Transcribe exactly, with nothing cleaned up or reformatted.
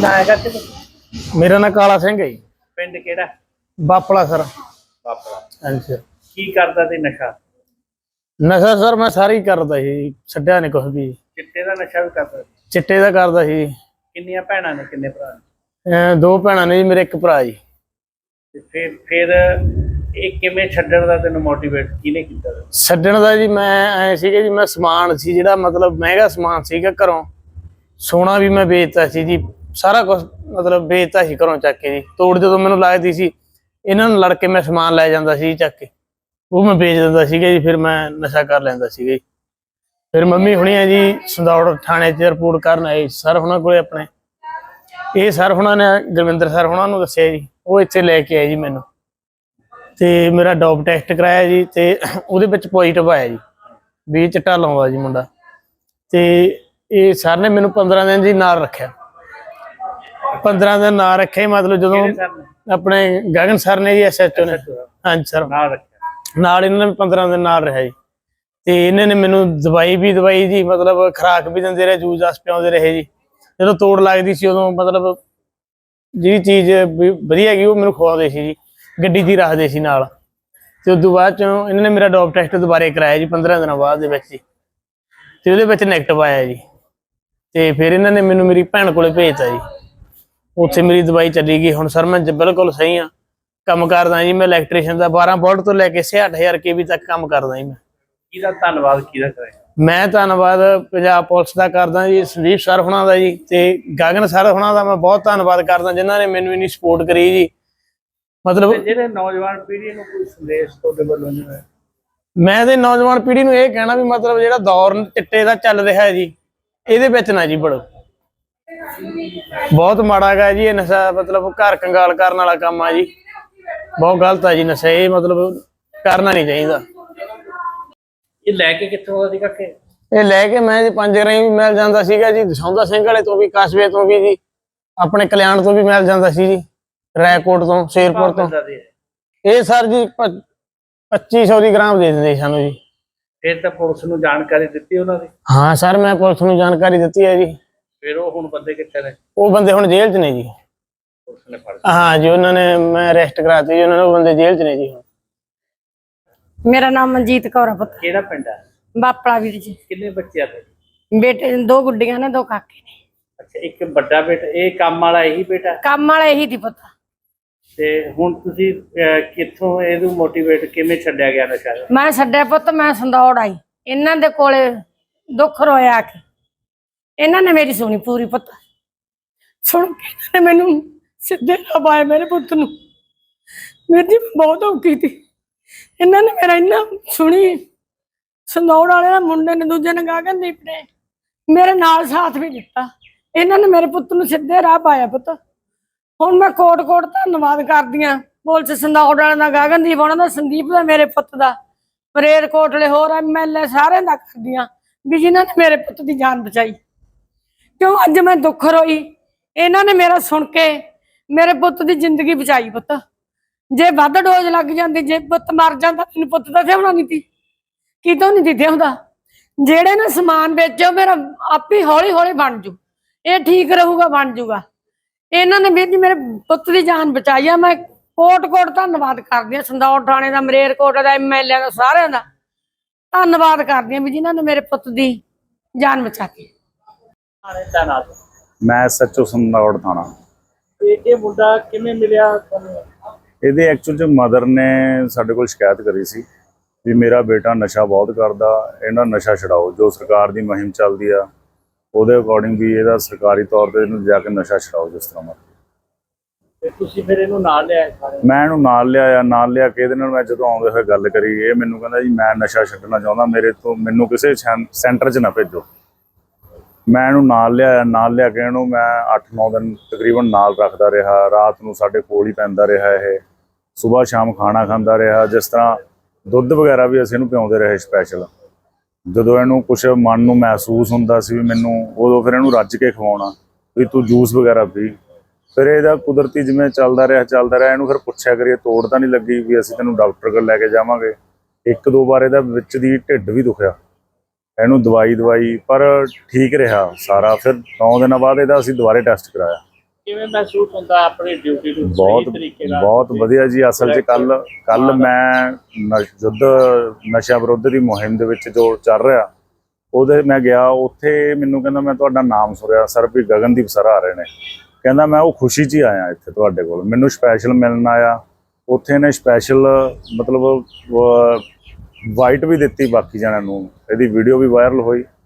ਨਾਂ ਹੈਗਾ ਤੇ मेरा नाम काला सिंह है जी। ਪਿੰਡ ਕਿਹੜਾ? बापला सर। ਬਾਪਰਾ। हाँ जी सर। ਕੀ ਕਰਦਾ ਤੇ ਨਸ਼ਾ? नशा सर मैं सारी करदा ਸੀ, ਛੱਡਿਆ नहीं कुछ भी। ਚਿੱਟੇ ਦਾ ਨਸ਼ਾ ਵੀ ਕਰਦਾ? चिट्टे दा करदा ਸੀ। ਕਿੰਨੀਆਂ ਭੈਣਾਂ ਨੇ ਕਿੰਨੇ ਭਰਾ ਨੇ? ਅਹ ਦੋ ਭੈਣਾਂ ਨੇ ਜੀ, ਮੇਰੇ ਇੱਕ ਭਰਾ ਜੀ। ਤੇ ਫਿਰ ਫਿਰ ਇਹ ਕਿਵੇਂ ਛੱਡਣ ਦਾ ਤੈਨੂੰ ਮੋਟੀਵੇਟ ਕਿਹਨੇ ਕੀਤਾ? ਛੱਡਣ ਦਾ ਜੀ ਮੈਂ ਐ ਸੀਗਾ ਜੀ, ਮੈਂ ਸਮਾਨ ਸੀ ਜਿਹੜਾ ਮਤਲਬ ਮਹਿੰਗਾ ਸਮਾਨ ਸੀਗਾ ਘਰੋਂ, ਸੋਨਾ ਵੀ ਮੈਂ ਵੇਚਤਾ ਸੀ ਜੀ, ਸਾਰਾ ਕੁਝ ਮਤਲਬ ਵੇਚਤਾ ਸੀ ਘਰੋਂ ਚੱਕ ਕੇ ਜੀ। ਤੋੜ ਜਦੋਂ ਮੈਨੂੰ ਲੱਗਦੀ ਸੀ ਇਹਨਾਂ ਨੂੰ ਲੜ ਕੇ ਮੈਂ ਸਮਾਨ ਲੈ ਜਾਂਦਾ ਸੀ ਚੱਕ ਕੇ, ਉਹ ਮੈਂ ਵੇਚ ਦਿੰਦਾ ਸੀਗਾ ਜੀ। ਫਿਰ ਮੈਂ ਨਸ਼ਾ ਕਰ ਲੈਂਦਾ ਸੀਗਾ ਜੀ। ਫਿਰ ਮੰਮੀ ਹੁਣੀ ਆ ਜੀ ਸੰਦੌੜ ਥਾਣੇ 'ਚ ਰਿਪੋਰਟ ਕਰਨ ਆਏ ਸਰ ਹੁਣਾਂ ਕੋਲੇ ਆਪਣੇ। ਇਹ ਸਰ ਹੁਣਾਂ ਨੇ ਗੁਰਵਿੰਦਰ ਸਰ ਹੁਣਾਂ ਨੂੰ ਦੱਸਿਆ ਜੀ, ਉਹ ਇੱਥੇ ਲੈ ਕੇ ਆਏ ਜੀ ਮੈਨੂੰ, ਤੇ ਮੇਰਾ ਡੋਪ ਟੈਸਟ ਕਰਾਇਆ ਜੀ, ਤੇ ਉਹਦੇ ਵਿੱਚ ਪੋਜ਼ਿਟਿਵ ਆਇਆ ਜੀ ਵੀ ਚਿੱਟਾ ਲਾਉਂਦਾ ਜੀ ਮੁੰਡਾ। ਤੇ ਇਹ ਸਰ ਨੇ ਮੈਨੂੰ ਪੰਦਰਾਂ ਦਿਨ ਜੀ ਨਾਲ ਰੱਖਿਆ, ਪੰਦਰਾਂ ਦਿਨ ਨਾਲ ਰੱਖਿਆ। ਮਤਲਬ ਜਦੋਂ ਆਪਣੇ ਗਗਨ ਸਰ ਨੇ ਜੀ, ਐਸ ਐਚ ਓ ਨੇ, ਹਾਂਜੀ ਸਰ, ਨਾਲ ਰੱਖਿਆ ਨਾਲ ਇਹਨਾਂ ਨੇ ਪੰਦਰਾਂ ਦਿਨ ਨਾਲ ਰਿਹਾ ਜੀ। ਤੇ ਇਹਨਾਂ ਨੇ ਮੈਨੂੰ ਦਵਾਈ ਵੀ ਦਵਾਈ ਜੀ, ਮਤਲਬ ਖੁਰਾਕ ਵੀ ਦਿੰਦੇ ਰਹੇ, ਜੂਸ ਜਾਸ ਪਿਆਉਂਦੇ ਰਹੇ ਜੀ। ਜਦੋਂ ਤੋੜ ਲੱਗਦੀ ਸੀ ਉਦੋਂ ਮਤਲਬ ਜਿਹੜੀ ਚੀਜ਼ ਵਧੀਆ ਹੈਗੀ ਉਹ ਮੈਨੂੰ ਖਵਾਉਂਦੇ ਸੀ ਜੀ, ਗੱਡੀ 'ਚ ਹੀ ਰੱਖਦੇ ਸੀ ਨਾਲ। ਤੇ ਉਦੋਂ ਬਾਅਦ ਚੋਂ ਇਹਨਾਂ ਨੇ ਮੇਰਾ ਡੋਪ ਟੈਸਟ ਦੁਬਾਰੇ ਕਰਾਇਆ ਜੀ ਪੰਦਰਾਂ ਦਿਨਾਂ ਬਾਅਦ ਦੇ ਵਿੱਚ ਜੀ, ਤੇ ਉਹਦੇ ਵਿੱਚ ਨੈਗੇਟਿਵ ਆਇਆ ਜੀ। ਤੇ ਫਿਰ ਇਹਨਾਂ ਨੇ ਮੈਨੂੰ ਮੇਰੀ ਭੈਣ ਕੋਲੇ ਭੇਜਤਾ ਜੀ, ਉੱਥੇ ਮੇਰੀ ਦਵਾਈ ਚੱਲੀ ਗਈ। ਹੁਣ ਸਰ ਮੈਂ ਬਿਲਕੁਲ ਸਹੀ ਹਾਂ, ਕੰਮ ਕਰਦਾ ਜੀ ਮੈਂ ਇਲੈਕਟ੍ਰੀਸ਼ੀਅਨ ਦਾ, ਬਾਰਾਂ ਵੋਲਟ ਤੋਂ ਲੈ ਕੇ ਛਿਆਹਠ ਹਜ਼ਾਰ ਕੇ ਵੀ ਤੱਕ ਕੰਮ ਕਰਦਾ ਜੀ ਮੈਂ। ਕਿਹਦਾ ਧੰਨਵਾਦ ਕਿਹਦਾ ਕਰੇ? ਮੈਂ ਧੰਨਵਾਦ ਪੰਜਾਬ ਪੁਲਿਸ ਦਾ ਕਰਦਾ ਜੀ, ਸੰਦੀਪ ਸਰ ਹੁਣਾਂ ਦਾ ਜੀ, ਤੇ ਗਗਨ ਸਰ ਹੁਣਾਂ ਦਾ ਮੈਂ ਬਹੁਤ ਧੰਨਵਾਦ ਕਰਦਾ ਜਿਨ੍ਹਾਂ ਨੇ ਮੈਨੂੰ ਇੰਨੀ ਸਪੋਰਟ ਕਰੀ ਜੀ। ਮਤਲਬ ਜਿਹੜੇ ਨੌਜਵਾਨ ਪੀੜ੍ਹੀ ਨੂੰ ਕੋਈ ਸੰਦੇਸ਼ ਤੁਹਾਡੇ ਵੱਲੋਂ ਨਹੀਂ ਹੋਇਆ? ਮੈਂ ਤੇ ਨੌਜਵਾਨ ਪੀੜ੍ਹੀ ਨੂੰ ਇਹ ਕਹਿਣਾ ਵੀ ਮਤਲਬ ਜਿਹੜਾ ਦੌਰ ਚਿੱਟੇ ਦਾ ਚੱਲ ਰਿਹਾ ਹੈ ਜੀ, ਇਹਦੇ ਵਿੱਚ ਨਾ ਜੀ ਵੜੋ, ਬਹੁਤ ਮਾੜਾ ਹੈਗਾ ਜੀ ਇਹ ਨਸ਼ਾ। ਮਤਲਬ ਘਰ ਕੰਗਾਲ ਕਰਨ ਵਾਲਾ ਕੰਮ ਆ ਜੀ, ਬਹੁਤ ਗਲਤ ਆ ਜੀ ਨਸ਼ਾ, ਇਹ ਮਤਲਬ ਕਰਨਾ ਨਹੀਂ ਚਾਹੀਦਾ। ਇਹ ਲੈ ਕੇ ਕਿੱਥੋਂ ਆਉਂਦਾ ਸੀ ਕਾਕੇ? ਇਹ ਲੈ ਕੇ ਮੈਂ ਜੀ ਪੰਜ ਗਰਾਈ ਵੀ ਮਿਲ ਜਾਂਦਾ ਸੀਗਾ ਜੀ, ਦਸੌਂਦਾ ਸਿੰਘ ਵਾਲੇ ਤੋਂ ਵੀ, ਕਸਬੇ ਤੋਂ ਵੀ ਜੀ, ਆਪਣੇ ਕਲਿਆਣ ਤੋਂ ਵੀ ਮਿਲ ਜਾਂਦਾ ਸੀ ਜੀ, ਰੈਕੋਟ ਤੋਂ, ਸ਼ੇਰਪੁਰ ਤੋਂ। ਇਹ ਸਰ ਜੀ ਪੱਚੀ ਸੌ ਦੀ ਗ੍ਰਾਮ ਦੇ ਦਿੰਦੇ ਸਾਨੂੰ ਜੀ। ਫਿਰ ਤਾਂ ਪੁਲਿਸ ਨੂੰ ਜਾਣਕਾਰੀ ਦਿੱਤੀ ਉਹਨਾਂ ਦੀ? ਹਾਂ ਸਰ ਮੈਂ ਪੁਲਿਸ ਨੂੰ ਜਾਣਕਾਰੀ ਦਿੱਤੀ ਹੈ ਜੀ। ਫਿਰ ਉਹ ਹੁਣ ਬੰਦੇ ਕਿੱਥੇ ਨੇ? ਉਹ ਬੰਦੇ ਹੁਣ ਜੇਲ੍ਹ 'ਚ ਨੇ ਜੀ। ਪੁਲਿਸ ਨੇ ਫੜ ਹਾਂ ਜੀ, ਉਹਨਾਂ ਨੇ ਮੈਂ ਅਰੈਸਟ ਕਰਾਤੀ ਜੀ, ਉਹਨਾਂ ਨੇ, ਉਹ ਬੰਦੇ ਜੇਲ੍ਹ 'ਚ ਨੇ ਜੀ ਹੁਣ। मेरा नाम मनजीत कौर है पुत्र। ਕਿਹੜਾ ਪਿੰਡ ਹੈ? बापड़ा वीर जी। ਕਿੰਨੇ ਬੱਚੇ ਆ ਤੁਹਾਡੇ? बेटे दो गुड्डियां ने, दो काके ने। ਅੱਛਾ, ਇੱਕ ਵੱਡਾ ਬੇਟਾ, ਇਹ ਕੰਮ ਵਾਲਾ ਇਹੀ ਬੇਟਾ? काम वाला यही थी पुत्र। ਤੇ ਹੁਣ ਤੁਸੀਂ ਅਹ, ਕਿੱਥੋਂ ਇਹਨੂੰ ਮੋਟੀਵੇਟ ਕਿਵੇਂ ਛੱਡਿਆ ਗਿਆ ਨਸ਼ਾ? मैं छड्या पुत, मैं संदौड़ आई इन्हां दे कोले, दुख रोया आके इन्हां ने मेरी सुनी पूरी पुत, सुन के इन्हां ने मैनू सीधे राह पाया मेरे पुत नूं। मेरी जी बहुत औखी थी, इन्हां ने मेरा इन्ना सुनी। संदौड़ वाले मुंडे ने, दूजे ने गगनदीप ने मेरे नाल साथ भी दिता। इन्हां ने मेरे पुत नूं सीधे राह पाया पुत। हुण मैं कोट कोट धन्नवाद करदी हां पुलिस संदौड़ वाले दा, गगनदीप उन्हां दा, संदीप दा, मेरे पुत दा, परेर कोटले होर एम एल ए सारे दा करदी हां भी जिन्हां ने मेरे पुत दी जान बचाई। क्यों अज मैं दुख रोई, इन्हां ने मेरा सुन के मेरे पुत दी जिंदगी बचाई पुत। जे वध डोज लग जाती, जे पुत मर जाता, मैनूं पुत दा थिआउणा नहीं सी, कितों नहीं सी थिआउंदा। जेड़े ने समान बेचो मेरा आप ही हौली हौली बन जू, ये ठीक रहूगा, बन जूगा। इन्हां ने वीर जी मेरे पुत की जान बचाई है। मैं कोट कोट धन्नवाद करदी हां संदौड़ थाणे दा, मलेरकोट दा, एम एल ए दा, सारिआं दा धन्नवाद करदी हां भी जिन्हां ने मेरे पुत की जान बचाई। मैं एस एच ओ संदौड़ थाना। ਇਹ ਮੁੰਡਾ ਕਿਵੇਂ ਮਿਲਿਆ ਤੁਹਾਨੂੰ? ਇਹਦੇ ਐਕਚੁਅਲ 'ਚ ਮਦਰ ਨੇ ਸਾਡੇ ਕੋਲ ਸ਼ਿਕਾਇਤ ਕਰੀ ਸੀ ਵੀ ਮੇਰਾ ਬੇਟਾ ਨਸ਼ਾ ਬਹੁਤ ਕਰਦਾ, ਇਹਨਾਂ ਨਸ਼ਾ ਛਡਾਓ। ਜੋ ਸਰਕਾਰ ਦੀ ਮੁਹਿੰਮ ਚੱਲਦੀ ਆ ਉਹਦੇ ਅਕੋਰਡਿੰਗ ਵੀ ਇਹਦਾ ਸਰਕਾਰੀ ਤੌਰ ਤੇ ਇਹਨੂੰ ਜਾ ਕੇ ਨਸ਼ਾ ਛਡਾਓ ਜਿਸ ਤਰ੍ਹਾਂ ਮਰਜ਼ੀ। ਤੇ ਤੁਸੀਂ ਫਿਰ ਇਹਨੂੰ ਨਾਲ ਲਿਆਏ ਸਾਰੇ? ਮੈਂ ਇਹਨੂੰ ਨਾਲ ਲਿਆਇਆ, ਨਾਲ ਲਿਆ ਕੇ ਇਹਦੇ ਨਾਲ ਮੈਂ ਜਦੋਂ ਆਉਂਦੇ ਹੋਏ ਗੱਲ ਕਰੀ, ਇਹ ਮੈਨੂੰ ਕਹਿੰਦਾ ਜੀ ਮੈਂ ਨਸ਼ਾ ਛੱਡਣਾ ਚਾਹੁੰਦਾ, ਮੇਰੇ ਤੋਂ ਮੈਨੂੰ ਕਿਸੇ ਸੈਂਟਰ 'ਚ ਨਾ ਭੇਜੋ। ਮੈਂ ਇਹਨੂੰ ਨਾਲ ਲਿਆਇਆ, ਨਾਲ ਲਿਆ ਕੇ ਇਹਨੂੰ ਮੈਂ ਅੱਠ ਨੌ ਦਿਨ ਤਕਰੀਬਨ ਨਾਲ ਰੱਖਦਾ ਰਿਹਾ। ਰਾਤ ਨੂੰ ਸਾਡੇ ਕੋਲ ਹੀ ਪੈਂਦਾ ਰਿਹਾ, ਇਹ ਸੁਬਾਹ ਸ਼ਾਮ ਖਾਣਾ ਖਾਂਦਾ ਰਿਹਾ। ਜਿਸ ਤਰ੍ਹਾਂ ਦੁੱਧ ਵਗੈਰਾ ਵੀ ਅਸੀਂ ਇਹਨੂੰ ਪਿਆਉਂਦੇ ਰਹੇ ਸਪੈਸ਼ਲ। ਜਦੋਂ ਇਹਨੂੰ ਕੁਛ ਮਨ ਨੂੰ ਮਹਿਸੂਸ ਹੁੰਦਾ ਸੀ ਵੀ ਮੈਨੂੰ, ਉਦੋਂ ਫਿਰ ਇਹਨੂੰ ਰੱਜ ਕੇ ਖਵਾਉਣਾ ਵੀ ਤੂੰ ਜੂਸ ਵਗੈਰਾ ਪੀ। ਫਿਰ ਇਹਦਾ ਕੁਦਰਤੀ ਜਿਵੇਂ ਚੱਲਦਾ ਰਿਹਾ ਚੱਲਦਾ ਰਿਹਾ ਇਹਨੂੰ ਫਿਰ ਪੁੱਛਿਆ ਕਰੀਏ ਤੋੜ ਤਾਂ ਨਹੀਂ ਲੱਗੀ ਵੀ ਅਸੀਂ ਤੈਨੂੰ ਡਾਕਟਰ ਕੋਲ ਲੈ ਕੇ ਜਾਵਾਂਗੇ। ਇੱਕ ਦੋ ਵਾਰ ਇਹਦਾ ਵਿੱਚ ਦੀ ਢਿੱਡ ਵੀ ਦੁਖਿਆ, ਇਹਨੂੰ ਦਵਾਈ ਦਵਾਈ ਪਰ ਠੀਕ ਰਿਹਾ ਸਾਰਾ। ਫਿਰ ਨੌ ਦਿਨਾਂ ਬਾਅਦ ਇਹਦਾ ਅਸੀਂ ਦੁਬਾਰੇ ਟੈਸਟ ਕਰਾਇਆ, ਕਿਵੇਂ ਮਹਿਸੂਸ ਹੁੰਦਾ ਆਪਣੀ ਡਿਊਟੀ ਨੂੰ ਬਹੁਤ ਸਹੀ ਤਰੀਕੇ ਨਾਲ? ਬਹੁਤ ਵਧੀਆ ਜੀ। ਅਸਲ 'ਚ ਕੱਲ ਕੱਲ ਮੈਂ ਨ- ਯੁੱਧ ਨਸ਼ਾ ਵਿਰੁੱਧ ਦੀ ਮੁਹਿੰਮ ਦੇ ਵਿੱਚ ਜੋ ਚੱਲ ਰਿਹਾ ਉਹਦੇ ਮੈਂ ਗਿਆ, ਉੱਥੇ ਮੈਨੂੰ ਕਹਿੰਦਾ ਮੈਂ ਤੁਹਾਡਾ ਨਾਮ ਸੁਣਿਆ ਸਰ ਵੀ ਗਗਨਦੀਪ ਸਰ ਆ ਰਹੇ ਨੇ। ਕਹਿੰਦਾ ਮੈਂ ਉਹ ਖੁਸ਼ੀ 'ਚ ਹੀ ਆਇਆ ਇੱਥੇ ਤੁਹਾਡੇ ਕੋਲ, ਮੈਨੂੰ ਸਪੈਸ਼ਲ ਮਿਲਣ ਆਇਆ। ਉੱਥੇ ਨੇ ਸਪੈਸ਼ਲ ਮਤਲਬ ਵਾਈਟ ਵੀ ਦਿੱਤੀ ਬਾਕੀ ਜਣਿਆਂ ਨੂੰ, ਇਹਦੀ ਵੀਡੀਓ ਵੀ ਵਾਇਰਲ ਹੋਈ।